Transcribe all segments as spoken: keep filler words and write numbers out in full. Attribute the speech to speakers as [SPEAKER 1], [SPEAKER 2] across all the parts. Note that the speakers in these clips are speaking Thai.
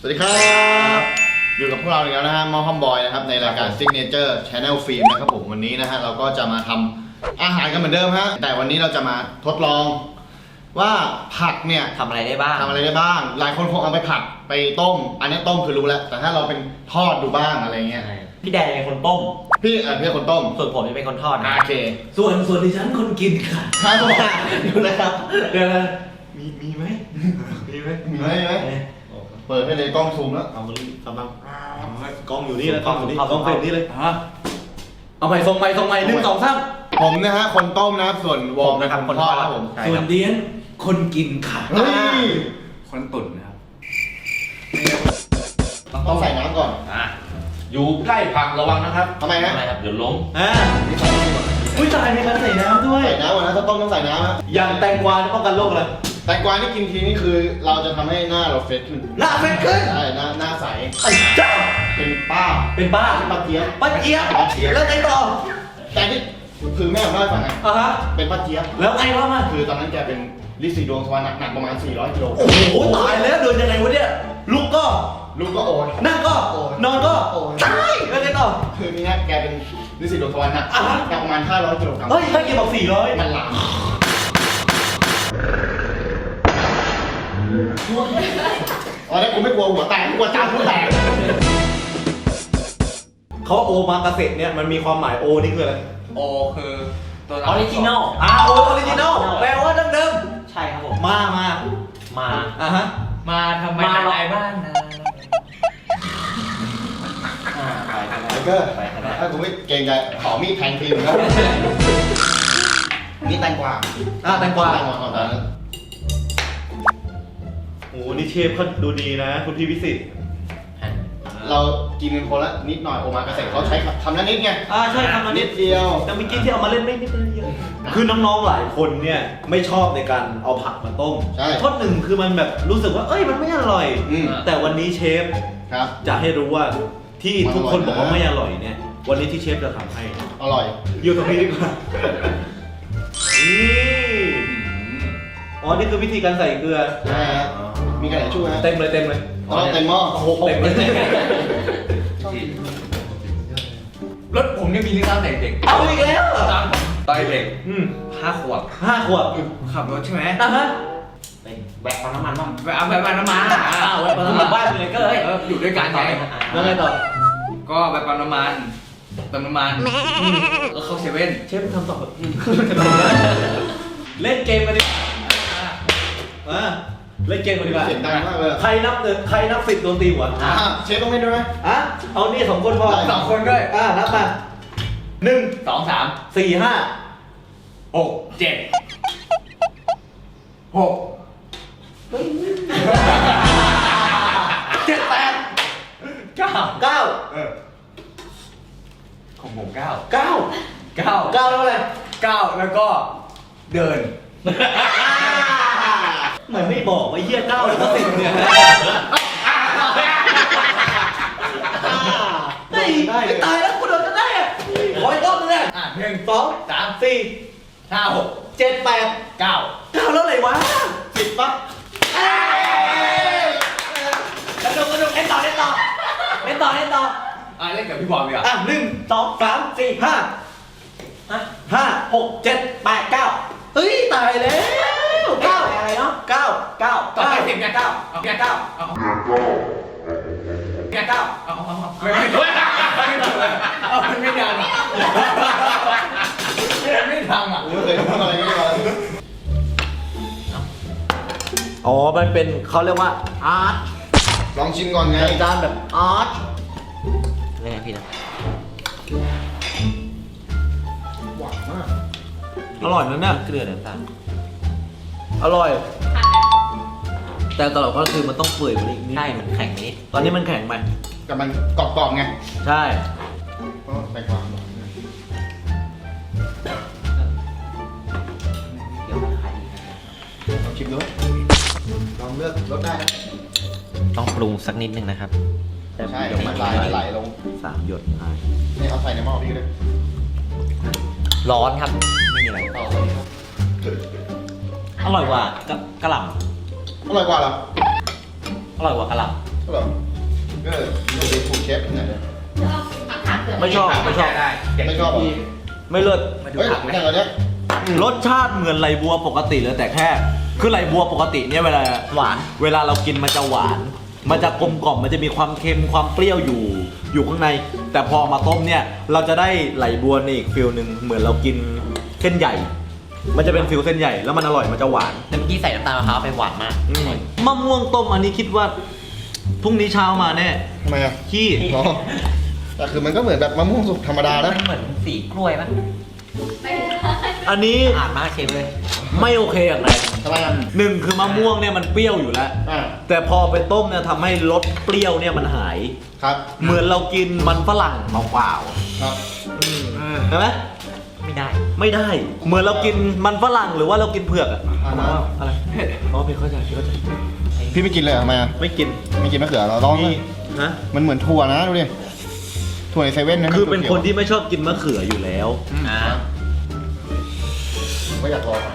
[SPEAKER 1] วัสดีครับอยู่กับพวกเราอีกแล้วนะฮะมอคอมบอยนะครับในรายการ Signature Channel Film นะครับผมวันนี้นะฮะเราก็จะมาทำอาหารกันเหมือนเดิมฮะแต่วันนี้เราจะมาทดลองว่าผักเนี่ย
[SPEAKER 2] ทำอะไรได้บ้าง
[SPEAKER 1] ทำอะไรได้บ้าง หลายคนคงเอาไปผัดไปต้ม อันนี้ต้มคือรู้แล้วแต่ถ้าเราเป็นทอดดูบ้างอะไรเงี้ย
[SPEAKER 2] พี่แดนเป็นคนต้ม
[SPEAKER 1] พี่เออพี่คนต้ม
[SPEAKER 2] ส่วนผมจะเป็นคนทอดนะ
[SPEAKER 1] โอเค
[SPEAKER 2] ส่วนส่วนดิฉันคนกินค่ะ
[SPEAKER 1] ครับผม
[SPEAKER 2] ดูนะครับเดี๋ยวนะมีมีไหมมีไหม
[SPEAKER 1] มีไหมมีไหมเปิดให้เลยกล้องซูมแล้ว
[SPEAKER 2] เอากำลัง
[SPEAKER 3] กล้องอยู่นี่แล้วกล้องอยู่นี่
[SPEAKER 2] เอา
[SPEAKER 3] กล้อง
[SPEAKER 2] เอา
[SPEAKER 3] เป็นนี่เลยอ่ะเอาใหม่ส่งใหม่ส่งใหม่หนึ่งสองสาม
[SPEAKER 1] ผมนะฮะคนต้มนะครับส่วนวอร์มเป็นคนทอดครับผม
[SPEAKER 2] ใช่
[SPEAKER 3] ส่ว
[SPEAKER 2] คน รับ
[SPEAKER 3] เดียนคนกินค่ะ
[SPEAKER 1] เฮ้ย
[SPEAKER 3] คนตุ่นนะครับ
[SPEAKER 1] ต้องใส่น้ำก่อน
[SPEAKER 3] อ่ะอยู่ใกล้ผักระวังนะครับ
[SPEAKER 1] ทำไมฮะ
[SPEAKER 2] อะไรครับ
[SPEAKER 3] เดี๋ยวล้ม
[SPEAKER 1] อ่านี่ใส่น้ำก่อน
[SPEAKER 3] อุ้ยตายมีการใส่น้ำด้วย
[SPEAKER 1] ใส่น้ำก่อนนะถ้าต้มต้องใส่น้ำฮะ
[SPEAKER 3] อย่างแตงกวาจะป้องกันโรคอะไร
[SPEAKER 1] แตงกวาที่กินทีนี่คือเราจะทำให้หน้าเราเฟรชขึ้น
[SPEAKER 3] หน้าเป็นขึ้น
[SPEAKER 1] ใช่หน้าหน้าใส
[SPEAKER 3] ไอ้เจ้า
[SPEAKER 1] เป็นป้า
[SPEAKER 3] เป็นบ้า
[SPEAKER 1] เป็นป้าเจี๊ยบ
[SPEAKER 3] ป้าเจี๊ยบ
[SPEAKER 1] ป้าเจี๊ยบ
[SPEAKER 3] แล้วไงต่อ
[SPEAKER 1] แต่ที่คือแม่ผมเล่าให้ฟังไง
[SPEAKER 3] อ่ะฮะ
[SPEAKER 1] เป็นป้าเจี๊ยบ
[SPEAKER 3] แล้วไงวะมัน
[SPEAKER 1] คือตอนนั้นแกเป็นลิซีดวงสวรรค์หนักประมาณสี่ร้อยกิโล
[SPEAKER 3] โอ้โหตายแล้วเดินยังไงวะเนี่ยลุกก็
[SPEAKER 1] ลูกก็โอน
[SPEAKER 3] นั่งก็
[SPEAKER 1] โอ้ย
[SPEAKER 3] นอนก็
[SPEAKER 1] โอ้ย
[SPEAKER 3] ตายแล้วไงต่อ
[SPEAKER 1] คือนี่ฮะแกเป็นลิซีดวงสวรรค์หนัก
[SPEAKER 3] อ่ะฮะ
[SPEAKER 1] หนักประมาณห้าร้อยกิโลกรัม
[SPEAKER 3] เฮ้ยถ้าเกี่ยวกับสี่ร้อย
[SPEAKER 1] มันหลามอ๋อแล้วกูไม่กลัวหัวแตกกูกลัวจานหัวแตก
[SPEAKER 3] เขาโอมากาเสะเนี่ยมันมีความหมายโอนี่คืออะไร
[SPEAKER 4] โอคือตัว
[SPEAKER 2] ออริจินอล
[SPEAKER 3] อ่าโอออริจินอลแปลว่าดั้งเดิม
[SPEAKER 2] ใช่ครับผม
[SPEAKER 3] มามา
[SPEAKER 2] มา
[SPEAKER 3] อ่ะฮะ
[SPEAKER 4] มาทำไม
[SPEAKER 2] มาหรอ
[SPEAKER 4] อะไรบ้างนะ
[SPEAKER 2] อ่าไปกัน
[SPEAKER 1] ไทเกอร์
[SPEAKER 2] ไปกันได้
[SPEAKER 1] ถ้ากูไม่เกรงใจขอมีดแทงฟิล์มครับนี่แตงกวา
[SPEAKER 3] อ่ะแตงกวา
[SPEAKER 1] แตงกวาของตอนนั้น
[SPEAKER 3] โอ้นี่เชฟเขาดูดีนะ คุณพี่วิสิต
[SPEAKER 1] เรากินกันคนละนิดหน่อยโอมากาเสะเขาใช้คำนั้นนิดไง
[SPEAKER 3] อ่าใช่ทำมานิ
[SPEAKER 1] นิ
[SPEAKER 3] ด
[SPEAKER 1] ดเดียว
[SPEAKER 3] แต่เมื่อกี้ที่เอามาเล่นไม่ไม่ได้เยอะคือน้องๆหลายคนเนี่ยไม่ชอบในการเอาผักมาต้ม
[SPEAKER 1] ใช่
[SPEAKER 3] เพราะหนึ่งคือมันแบบรู้สึกว่าเอ้ยมันไม่อร่อย
[SPEAKER 1] อืม
[SPEAKER 3] แต่วันนี้เชฟ
[SPEAKER 1] ครับ
[SPEAKER 3] จะให้รู้ว่าที่ทุกคนบอกว่าไม่อร่อยเนี่ย วันนี้ที่เชฟจะทำให้
[SPEAKER 1] อร่อย
[SPEAKER 3] อยู่ตรงนี้ดีกว่านี่อ๋อนี่คือวิธีการใส่เกลือ
[SPEAKER 1] ใช่ฮะมีกระดาษชู่ฮะ
[SPEAKER 3] เต็มเลยเต็มเลย
[SPEAKER 1] ต้องเต็มหม้อโอ้โห
[SPEAKER 3] เต็มเลย
[SPEAKER 4] รถผมเนี่ยมีเรื่องเล่าแต่เด็ก
[SPEAKER 3] เอาอีกแล้วเหรอ
[SPEAKER 4] ตอนตอนเด็ก
[SPEAKER 3] อืม
[SPEAKER 4] ห้าขวบ
[SPEAKER 3] ห้าขวบ
[SPEAKER 4] ขับรถใช่ไหม
[SPEAKER 3] อ่ะฮะ
[SPEAKER 2] ไปแบกปั๊มน้ำมันบ้าง
[SPEAKER 4] ไปเอาไปปั๊มน้ำมัน
[SPEAKER 2] อ้าวแบกปั๊มน้ำมันบ้านเลยก็เอ้ย
[SPEAKER 4] เอออยู่ด้วยกันไง
[SPEAKER 3] แล้วไงต่อ
[SPEAKER 4] ก็ไปปั๊มน้ำมันเติมน้ำมันแล้วเข้าเซเว่น
[SPEAKER 3] เชฟทำต่อเล่นเกมกันดิมาเล่นเกมกันดีกว่า
[SPEAKER 1] เสียงดังมากเลย
[SPEAKER 3] ใครนับหนึ่งใครนับสิบโดนตีหัว
[SPEAKER 1] อ่ะเชฟต้องเล่นด้วยไหม
[SPEAKER 3] อ่ะเอานี่สองคนพอ
[SPEAKER 1] ได้
[SPEAKER 4] สองคนด้วย
[SPEAKER 3] อ่ะนับมาหนึ่ง
[SPEAKER 4] สองสาม
[SPEAKER 3] สี่ห้า
[SPEAKER 4] หกเจ็ดหก
[SPEAKER 3] เจ็ดแปด
[SPEAKER 4] เก้า
[SPEAKER 3] เก้า
[SPEAKER 4] เออของผมเก้า
[SPEAKER 3] เก้า
[SPEAKER 4] เก้า
[SPEAKER 3] เก้าแล้วอะไร
[SPEAKER 4] เก้าแล้วก็เดิน
[SPEAKER 3] เหมือนไม่บอกว่าเยี่ยเก้าแล้วก็สิบเนี่ยเฮ้ยไม่ตายแล้วกูโดนจะได้อะขออีกรอบนึงเนี่ย
[SPEAKER 4] อ่ะหนึ่ง
[SPEAKER 3] สอง
[SPEAKER 4] สาม
[SPEAKER 3] สี่
[SPEAKER 4] ห้าหก
[SPEAKER 3] เจ็ดแปด
[SPEAKER 4] เก้า
[SPEAKER 3] เก้าแล้วอะไรวะ
[SPEAKER 1] สิบปั๊บ
[SPEAKER 3] กระโดดกระโดดเล่นต่อเล่นต่อเล่นต่อเล่นต่อ
[SPEAKER 4] อ่ะเล่นกับพี่บอลดีกว่า
[SPEAKER 3] อ่ะหนึ่งสองสามสี่ห้าห้าหกเจ็ดแปดเก้าเฮ้ยตายแล้วเก้า
[SPEAKER 2] อะไรเนาะ
[SPEAKER 3] เก้าเก้า
[SPEAKER 4] ต่อไป
[SPEAKER 3] เก้า
[SPEAKER 4] สิบไงเก้าเอาไงเก้าเอาไงเก้าเอาเอาเอาไม่ไม่ไม่เอามันไม่ดังอ่ะมันไม่ดังอ่ะ
[SPEAKER 1] กูไม่เคยทำอะไรไม่ได้เลย
[SPEAKER 3] อ๋อมันเป็นเขาเรียกว่าอาร์ต
[SPEAKER 1] ลองชิมก่อนไง
[SPEAKER 3] จานแบบอาร์ต
[SPEAKER 2] เรื่องไงพี่นะ
[SPEAKER 1] หวานมาก
[SPEAKER 3] อร่อยนะเนี่ย
[SPEAKER 2] เกลือน้ำตาล
[SPEAKER 3] อร่อย แต่ตลอดก็คือมันต้องเปื่อยกว่านี้อีกนิด
[SPEAKER 2] ใช่มันแข็งนิด
[SPEAKER 3] ตอนนี้มันแข็งไป
[SPEAKER 1] แต่มันกรอบๆไง
[SPEAKER 3] ใช่
[SPEAKER 1] ก็แตงกวา
[SPEAKER 2] เดี๋ยวมันไข่
[SPEAKER 1] ลองชิมดูลองเลือกรสได้นะ
[SPEAKER 2] ต้องปรุงสักนิดนึงนะครับ
[SPEAKER 1] ใช่เดี๋ยวมันไหลไหลลง
[SPEAKER 3] สามหยดอ่ะ
[SPEAKER 1] นี่เอาใส่ในหม้อพี่เลย
[SPEAKER 2] ร้อนครับ ไม่มีอะไร
[SPEAKER 1] ต่อไปครับ
[SPEAKER 2] อร่อยกว่ากะกะหล่
[SPEAKER 1] อร่อยกว่าเหรอ
[SPEAKER 2] ำอร่อยกว่ากะหล่ำ
[SPEAKER 1] ก็เหรอก็มันเป็นถูกเชฟไหนเนี่ย
[SPEAKER 3] ไม่ชอบไม่ชอบ
[SPEAKER 4] ได้เด็ก
[SPEAKER 1] ไม่ชอบเหรอ
[SPEAKER 4] ที่
[SPEAKER 3] ไม่เลิศ
[SPEAKER 4] มาดู
[SPEAKER 1] เฮ้ย
[SPEAKER 4] ผักไหม
[SPEAKER 1] อย่างเนี้ย
[SPEAKER 3] รสชาติเหมือนไหลบัวปกติเลยแต่แค่ คือไหลบัวปกติเนี่ยเวลาหวาน เวลาเรากินมันจะหวาน มันจะกลมกล่อมมันจะมีความเค็มความเปรี้ยวอยู่อยู่ข้างใน แต่พอมาต้มเนี่ยเราจะได้ไหลบัวในอีกฟิลหนึ่งเหมือนเรากินเส้นใหญ่ มันจะเป็นฟิลเส้นใหญ่แล้วมันอร่อยมันจะหวาน
[SPEAKER 2] แต่เมื่อกี้ใส่น้ำตาลมะพร้าวไปหวานมาก
[SPEAKER 3] มะม่วงต้มอันนี้คิดว่าพรุ่งนี้เช้ามาแน่
[SPEAKER 1] ทำไมอ่ะ
[SPEAKER 3] ขี้
[SPEAKER 1] อ๋อแต่คือมันก็เหมือนแบบมะม่วงสุกธรรมดานะ
[SPEAKER 2] มันเหมือนสีกล้วยป่ะ
[SPEAKER 3] อันนี้
[SPEAKER 2] อ่านมากเชฟเลย
[SPEAKER 3] ไม่โอเคอย่างไร
[SPEAKER 1] ทำไมอ่ะ
[SPEAKER 3] หนึ่งคือมะม่วงเนี่ยมันเปรี้ยวอยู่แล้ว
[SPEAKER 1] อ่า
[SPEAKER 3] แต่พอไปต้มเนี่ยทำให้รสเปรี้ยวเนี่ยมันหาย
[SPEAKER 1] ครับ
[SPEAKER 3] เหมือนเรากินมันฝรั่งเปล่า
[SPEAKER 1] ครับ
[SPEAKER 3] ๆใช่ไหม
[SPEAKER 2] ไม่ได้
[SPEAKER 3] ไม่ได้ เหมือนเรากินมันฝรั่งหรือว่าเรากินเผือกอะ
[SPEAKER 1] อ่าฮะ
[SPEAKER 3] อะไรเผ็ดอ๋อเผ็ดเข้าใจเผ็ดเข้าใจ
[SPEAKER 1] พี่ไม่กินเลยเหรอทำไมอ่ะ
[SPEAKER 3] ไม่กิน
[SPEAKER 1] ไม่กินมะเขือเราลองเล
[SPEAKER 3] นี่
[SPEAKER 1] ย
[SPEAKER 3] ฮะ
[SPEAKER 1] มันเหมือนถั่วนะดูดิถั่วในเซเว่นนะ
[SPEAKER 3] คือเป็นคนที่ไม่ชอบกินมะเขืออยู่แล้ว
[SPEAKER 2] อ่า
[SPEAKER 1] ไม่อยากลอง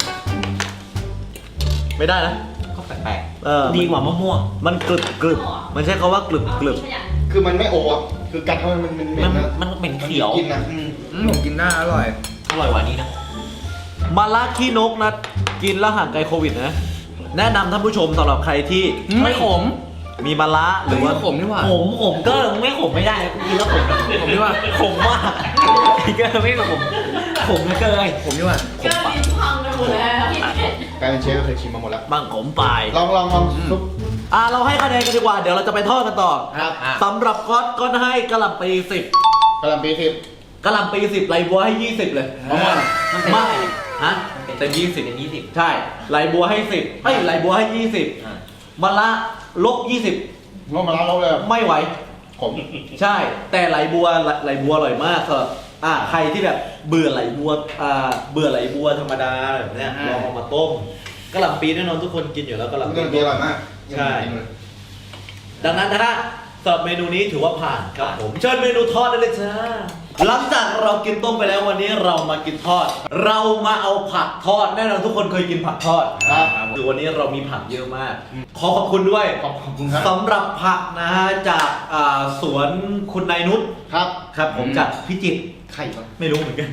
[SPEAKER 3] ไม่ได้นะ
[SPEAKER 2] ก็แปลก
[SPEAKER 3] เออ
[SPEAKER 2] ๆดีกว่ามะม่วง
[SPEAKER 3] มันกรึบกรึบมันใช้คำว่ากรึบกรึบ
[SPEAKER 1] คือมันไม่โอ้อะคือกัดเข้าไปมันมัน
[SPEAKER 2] มัน
[SPEAKER 1] นะ
[SPEAKER 2] มันเป็นเขียว
[SPEAKER 1] กินนะอืม
[SPEAKER 4] อืมผมกินได้อร่อย
[SPEAKER 2] อร่อยกว่านี้นะ
[SPEAKER 3] มาลาขี้นกนะกินแล้วห่างไกลโควิดนะ แนะนำท่านผู้ชมสำหรับใครที่
[SPEAKER 4] ไม่ขม
[SPEAKER 3] มีมาละหรือว่า
[SPEAKER 4] ขมนี่หว่า
[SPEAKER 2] ผมผมก็ไม่ขมไม่ได้กินแล้วขม
[SPEAKER 4] ผมนี่ว่า
[SPEAKER 2] ขมมากก็ไม่ขมขมเกิน
[SPEAKER 4] ผมนี่ว่า
[SPEAKER 5] เกลือลิ้นพังไปหมดแล้ว
[SPEAKER 1] กลายเป็นเชฟก็เคยชิมมาหมดแล้ว
[SPEAKER 3] บ้างขมปลาย
[SPEAKER 1] ลองลองลองซุป
[SPEAKER 3] อ่ะเราให้คะแนนกันดีกว่า เดี๋ยวเราจะไปทอดกันต่อ
[SPEAKER 1] ครับ
[SPEAKER 3] สำหรับก๊อตก็ให้กะหล่ำปีสิบ
[SPEAKER 1] กะหล่ำปีสิบ
[SPEAKER 3] กะหล่ำปีสิบไหลบัวให้ยี่สิบเลย
[SPEAKER 1] เพราะว่า
[SPEAKER 3] ไม่ฮะ
[SPEAKER 2] เต็มยี่สิบเป็นยี่สิบ
[SPEAKER 3] ใช่ไหลบัวให้สิบให้ไหลบัวให้ยี่สิบมาละลบยี่สิบ
[SPEAKER 1] ลงมาแล้วลงเลยอะ
[SPEAKER 3] ไม่ไหว
[SPEAKER 1] ขม
[SPEAKER 3] ใช่ แต่ไหลบัวไหลไหลบัวอร่อยมากสำหรับอ่าใครที่แบบเบื่อไหลบัวอ่าเบื่อไหลบัวธรรมดาแบบเนี้ยลองเอามาต้มกะหล่ำปีแน่นอนทุกคนกินอยู่แล้วกะหล่ำ
[SPEAKER 1] เรื่อง
[SPEAKER 3] ปี
[SPEAKER 1] ดีอร่อยมาก
[SPEAKER 3] ใช่ ดังนั้นนะฮะสำหรับเมนูนี้ถือว่าผ่านครับผมเชิญเมนูทอดได้เลยจ้าหลังจากเรากินต้มไปแล้ววันนี้เรามากินทอด เรามาเอาผักทอดแน่นอนทุกคนเคยกินผักทอด
[SPEAKER 1] ครับ
[SPEAKER 3] คือวันนี้เรามีผักเยอะมาก ขอขอบคุณด้วย
[SPEAKER 1] ขอบขอบคุณครับ
[SPEAKER 3] สำหรับผักนะฮะจากอ่าสวนคุณนายนุช
[SPEAKER 1] ครับ
[SPEAKER 3] ครับผมจากพิจิตร
[SPEAKER 1] ไข่ก่อน
[SPEAKER 3] ไม่รู้เหมือนกัน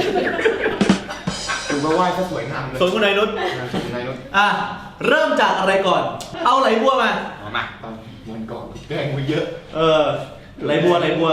[SPEAKER 1] ดูมาไหว้ก็สวยงามเลย
[SPEAKER 3] สวนคุณนายนุช
[SPEAKER 1] นายนุช
[SPEAKER 3] อ่ะเริ่มจากอะไรก่อน เอาไหลบัวมา
[SPEAKER 4] มา
[SPEAKER 1] ตอนวันก่อนแกล้งไปเยอะ
[SPEAKER 3] เออไหลบัวไหลบัว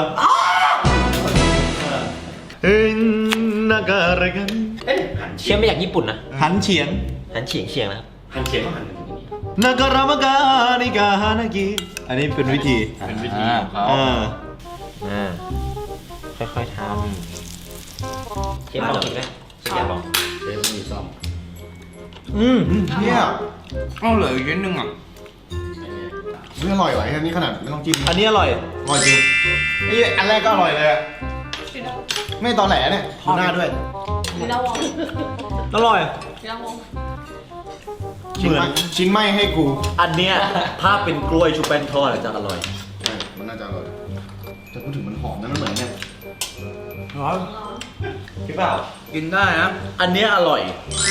[SPEAKER 3] เอ็นนากาอะไรกัน
[SPEAKER 2] เชื่อมมาจากญี่ปุ่นนะ
[SPEAKER 3] หันเฉียง
[SPEAKER 2] หันเฉียงเฉียงนะครับ
[SPEAKER 4] หั่นเฉียงก็หั่น
[SPEAKER 3] นาการามากานิกาฮานากิอันนี้เป็นวิธี
[SPEAKER 4] เป็นวิธีของเขา
[SPEAKER 3] อ่า
[SPEAKER 2] อ่าค่อยๆทำเชฟลองกินไหมเชฟอยากลอง
[SPEAKER 1] เชฟมีซ่อม
[SPEAKER 3] อืม
[SPEAKER 1] เนี่ย
[SPEAKER 4] เอ้าเหลืออีกนิดนึงอ่ะ
[SPEAKER 1] เรื่องอร่อยว่ะแค่นี้ขนาดไม่ต้องจิ้ม
[SPEAKER 3] อันนี้อร่อย
[SPEAKER 1] อร่อยจริงนี่อันแรกก็อร่อยเลยอะไม่ตอนแหลเนี่ยทูน่าด้วย
[SPEAKER 5] มีดาวง
[SPEAKER 3] อร่อย
[SPEAKER 5] มีดาวง
[SPEAKER 1] ชิ้นไหมชิ้นไหมให้กู
[SPEAKER 3] อันเนี้ยถ้าเป็นกล้วยชูแป้งทอดอะจะอร่อย
[SPEAKER 1] ใช่มันน่าจะอร่อยแต่พูดถึงมันหอมนะมันเหมือนเนี่ย
[SPEAKER 3] พี่เปล่า
[SPEAKER 4] กินได้นะ
[SPEAKER 3] อันเนี้ยอร่อย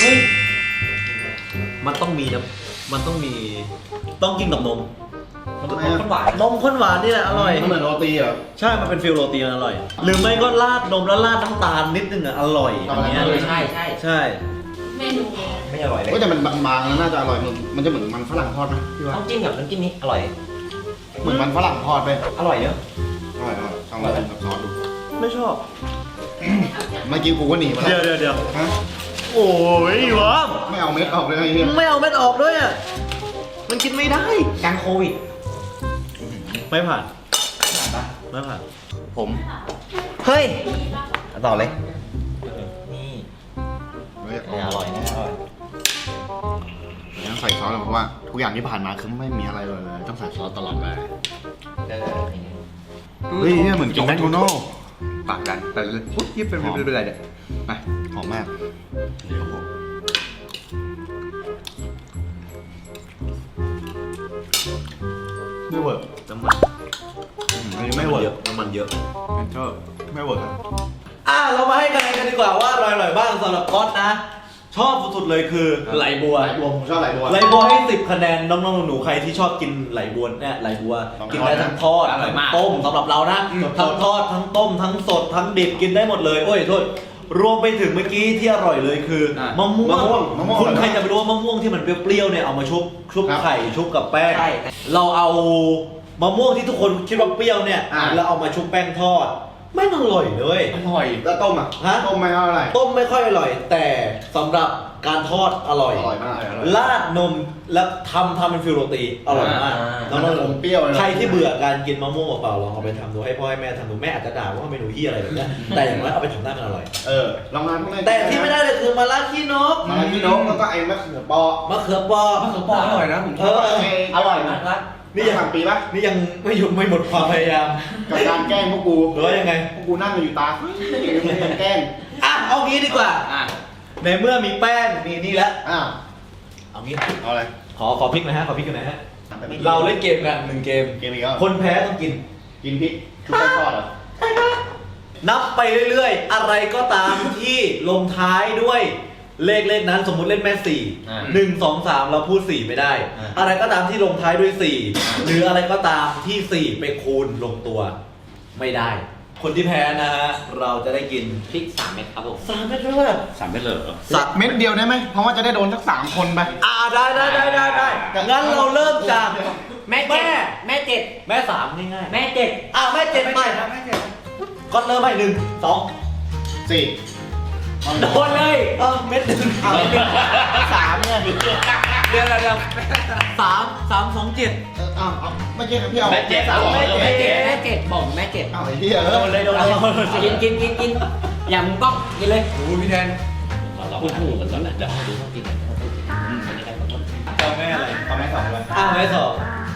[SPEAKER 3] มันต้องมีนะมันต้องมี ต้องกินกับนม
[SPEAKER 2] มันข้นหวาน
[SPEAKER 3] นมข้นหวานนี่แหละอร่อย
[SPEAKER 1] มันเหมือนโรตีเหรอ
[SPEAKER 3] ใช่ มันเป็นฟิลโรตีมันอร่อย หรือไม่ก็ราดนมแล้วราดน้ำตาลนิดนึงอ่ะ อร่อยอันเนี้ย
[SPEAKER 2] เออใช่ใช่
[SPEAKER 3] ใช่
[SPEAKER 5] เมนู
[SPEAKER 2] ไม่อร่อยเลย
[SPEAKER 1] เฮ้ยแต่มันบางๆแล้วน่าจะอร่อยมันมันจะเหมือนมันฝรั่งทอดนะพี่ว่า
[SPEAKER 2] ต้องจิ้มกับน้ำจิ้มนี้อร่อย
[SPEAKER 1] เหมือนมันฝรั่งทอดไป
[SPEAKER 2] อร่อยเยอะ
[SPEAKER 1] อร่อยอร่อยลองมากินกับซอสดู
[SPEAKER 3] ไม่ชอบ
[SPEAKER 1] เมื่อกี้กูก็หนีมา
[SPEAKER 3] เดี๋ยว
[SPEAKER 1] แล้ว
[SPEAKER 3] เดี๋ยวเดี๋ยว
[SPEAKER 1] ฮะ
[SPEAKER 3] โอ้ยวะ
[SPEAKER 1] ไม่เอาเม็ดออกเลยไอ้เหี้ย
[SPEAKER 3] ไม่เอาเม็ดออกด้วยอ่ะ มันกินไม่ได้
[SPEAKER 2] การโควิด
[SPEAKER 3] ไม่ผ่าน ไม่ผ่าน
[SPEAKER 1] ผม
[SPEAKER 2] เฮ้ยต่อเลย นี่
[SPEAKER 1] เฮ้ย
[SPEAKER 2] เอออร่อยนะอร่อย
[SPEAKER 1] ต้องใส่ซอสเลยเพราะว่าทุกอย่างที่ผ่านมาคือไม่มีอะไรเลยต้องใส่ซอสตลอดเลย
[SPEAKER 2] เออ
[SPEAKER 1] เฮ้ยเนี่ยเหมือนกินแมคโดนัลด์
[SPEAKER 4] ปากดันไปเลยปุ๊บยิบเป็นเป็นอะไรเนี่ยไป
[SPEAKER 1] หอมมากเดี๋ยวผมไม่เวิร์ก
[SPEAKER 3] น้ำมัน
[SPEAKER 1] อันนี้ไม่เวิร์ก
[SPEAKER 3] น้ำมันเยอะ
[SPEAKER 1] เป็นเชอร์ไม่เวิร์กครับ
[SPEAKER 3] อ่ะเรามาให้คะแนนกันดีกว่าว่าอร่อยอร่อยบ้างสำหรับก๊อตนะ ชชอบสุดๆเลยคือไหลบัว
[SPEAKER 1] ไหลบัวผมชอบไหลบัว
[SPEAKER 3] ไหลบัวให้สิบคะแนนน้องๆหนูๆใครที่ชอบกินไหลบัวเนี่ยไหลบัว
[SPEAKER 1] ต้อง
[SPEAKER 3] กินได้ทั้งทอด
[SPEAKER 4] อร่อยมาก
[SPEAKER 3] ต้มสำหรับเรานะทั้งทอดทั้งต้มทั้งสดทั้งดิบกินได้หมดเลยโอ้ยโทษรวมไปถึงเมื่อกี้ที่อร่อยเลยคือมะม่วง
[SPEAKER 1] มะม่วงมะม่วง
[SPEAKER 3] คุณใครจะไปรู้ว่ามะม่วงที่มันเปรี้ยวๆเนี่ยเอามาชุบชุบ
[SPEAKER 1] ครับ
[SPEAKER 3] ไข่ชุบกับแป้ง
[SPEAKER 2] ใช่
[SPEAKER 3] เราเอามะม่วงที่ทุกคนคิดว่าเปรี้ยวเนี่ย
[SPEAKER 1] อ่า
[SPEAKER 3] แล้วเอามาชุบแป้งทอดไม่อร่อยเลย
[SPEAKER 4] อร่อย
[SPEAKER 1] แล้วต้มอ่ะ
[SPEAKER 3] ฮะ
[SPEAKER 1] ต้มไม่เท่าไหร่
[SPEAKER 3] ต้มไม่ค่อยอร่อย แต่สำหรับการทอดอร่อย
[SPEAKER 1] อร่อยมาก
[SPEAKER 3] ราดนมแล้วทำทำเป็นฟิวโรตีอร่อยมาก
[SPEAKER 2] อ่า
[SPEAKER 3] น้อง
[SPEAKER 1] มันจะอมเปรี้ยวเลยนะ
[SPEAKER 3] ใครที่เบื่อการกินมะม่วงเปล่าๆลองเอาไปทำดูให้พ่อให้แม่ทำดูแม่อาจจะด่าว่าเมนูที่อะไรแบบเนี้ยแต่อย่างน้อยเอาไปทำได้มันอร่อย
[SPEAKER 1] เออลองมาพวกนี้
[SPEAKER 3] แต่ที่ไม่ได้เลยคือมาลาขี้นก
[SPEAKER 1] มาพี่นกแล้วก็ไอ้มะเขือเปอ
[SPEAKER 3] มะเขือเปอ
[SPEAKER 4] มะเขือเปออร่อยนะผมช
[SPEAKER 3] เอ
[SPEAKER 4] อบ
[SPEAKER 3] อ
[SPEAKER 2] อร่อยมากครับ
[SPEAKER 3] นี่
[SPEAKER 1] นี่
[SPEAKER 3] ยัง
[SPEAKER 1] สั่งปีปะ
[SPEAKER 3] นี่ยังไม่หยุดไม่หมดความพยายาม
[SPEAKER 1] กับการแกล้งพวกกู
[SPEAKER 3] หรือว่ายังไง
[SPEAKER 1] พวกกูนั่งอยู่ตาแกล้ง
[SPEAKER 3] อ่ะเอางี้ดีกว่า
[SPEAKER 4] อ่ะ
[SPEAKER 3] ในเมื่อมีแป้งมีนี่แล้ว
[SPEAKER 1] อ้าว
[SPEAKER 3] เอางี้
[SPEAKER 1] เอาอะไร
[SPEAKER 3] ขอขอพริกหนะฮะขอพริกกันหนะฮะเราเล่นเกมกันหนึ่งเกม
[SPEAKER 1] เกมอีกแล้ว
[SPEAKER 3] คนแพ้ต้องกิน
[SPEAKER 1] กินพริกชุบแป้งทอดเหรอ
[SPEAKER 3] นับไปเรื่อยๆ อะไรก็ตามที่ลงท้ายด้วยเลขเลขนั้นสมมุติเล่นแม่สี่
[SPEAKER 2] อ่า
[SPEAKER 3] หนึ่งสองสามเราพูดสี่ไม่ได้
[SPEAKER 2] อ่า
[SPEAKER 3] อะไรก็ตามที่ลงท้ายด้วยสี่หรืออะไรก็ตามที่สี่ไปคูณลงตัว ไม่ได้ คนที่แพ้นะฮะเราจะได้กิน
[SPEAKER 2] พริกสามเม็ดครับผม
[SPEAKER 3] สามเม็ดด้วย
[SPEAKER 4] สามเม็ดเลยเหรอ
[SPEAKER 1] สักเม็ดเดียวได้ไหมเพราะว่าจะได้โดนสักสามคนไป
[SPEAKER 3] อ่าได้ได้ได้ได้ได้งั้นเราเริ่มจาก
[SPEAKER 2] แม่เจ็ดแม่เจ็ด
[SPEAKER 3] แม่สามง่ายๆ
[SPEAKER 2] แม่เจ็ด
[SPEAKER 3] อ่าแม่เจ็ดไปก็เริ่มไปหนึ่งสอง
[SPEAKER 1] สี่
[SPEAKER 2] โดนเลย
[SPEAKER 3] เออเม็ดหนึ่งเอา
[SPEAKER 1] สามเนี่ย
[SPEAKER 3] เดี๋ยวเดี๋ยวเดี๋ยวสามสามสองเจ็ด
[SPEAKER 1] เอออ้าวเอาไม่ใช่ครับพี่เอา
[SPEAKER 4] แม่เจ็ด
[SPEAKER 1] สาม
[SPEAKER 2] แม่
[SPEAKER 1] แม่
[SPEAKER 2] เจ็
[SPEAKER 1] เจ็
[SPEAKER 2] ด
[SPEAKER 1] ด
[SPEAKER 2] แม่เจ็ดบอกแม่เจ็ด
[SPEAKER 1] เอาไอ้เหี้ย
[SPEAKER 2] โดนเลยโดนเลยกินกินกินกินอย่ามึงต้องกินเลย
[SPEAKER 4] โอ้ยพี่แทน
[SPEAKER 2] โอ้โหเดี๋ยวเดี๋ยวดูต้องกินกัน
[SPEAKER 3] เอาแม่อะไร
[SPEAKER 1] เอาแม่สองเลย
[SPEAKER 3] อ่าแม่สอง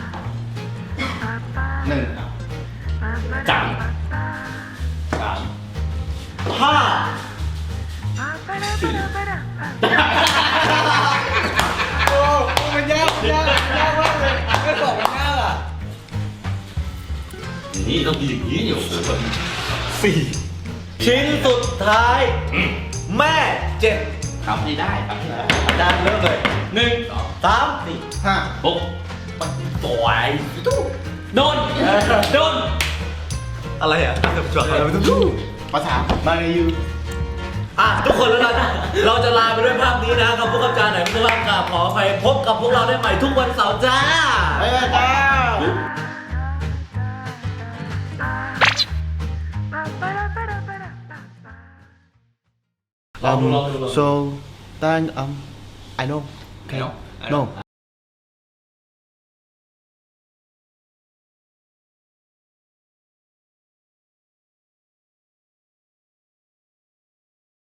[SPEAKER 1] หนึ่ง
[SPEAKER 2] จัง
[SPEAKER 3] สามห้าโอ้มันยากมันยากมันยากมากเลยไม่สองมันยากอ่ะ
[SPEAKER 4] นี่ต้องกินอย่างนี้อยู่
[SPEAKER 3] สี่ชิ้นสุดท้าย แม่เจ็ด
[SPEAKER 4] ทำให้ได้ทำให้ได้
[SPEAKER 3] อาจารย์เริ่มเลย
[SPEAKER 4] หนึ่งสอง
[SPEAKER 3] สามสี่
[SPEAKER 1] ห้า
[SPEAKER 4] หกสวย
[SPEAKER 2] โดนโดน
[SPEAKER 3] อะไรอ่ะจบอะไรไม่ต้องดู
[SPEAKER 1] ภาษามาในยู
[SPEAKER 3] อ่ะทุกคนแล้วกันเราจะลาไปด้วยภาพนี้นะกับพวกกับจารย์ไหนไม่ต้องกราบขออภัยพบกับพวกเราได้ใหม่ทุกวันเสาร์จ้า
[SPEAKER 1] ไปเลยจ้า
[SPEAKER 3] ลองดูลองดูลองดู
[SPEAKER 1] so then um I know
[SPEAKER 4] I know I
[SPEAKER 1] no
[SPEAKER 3] I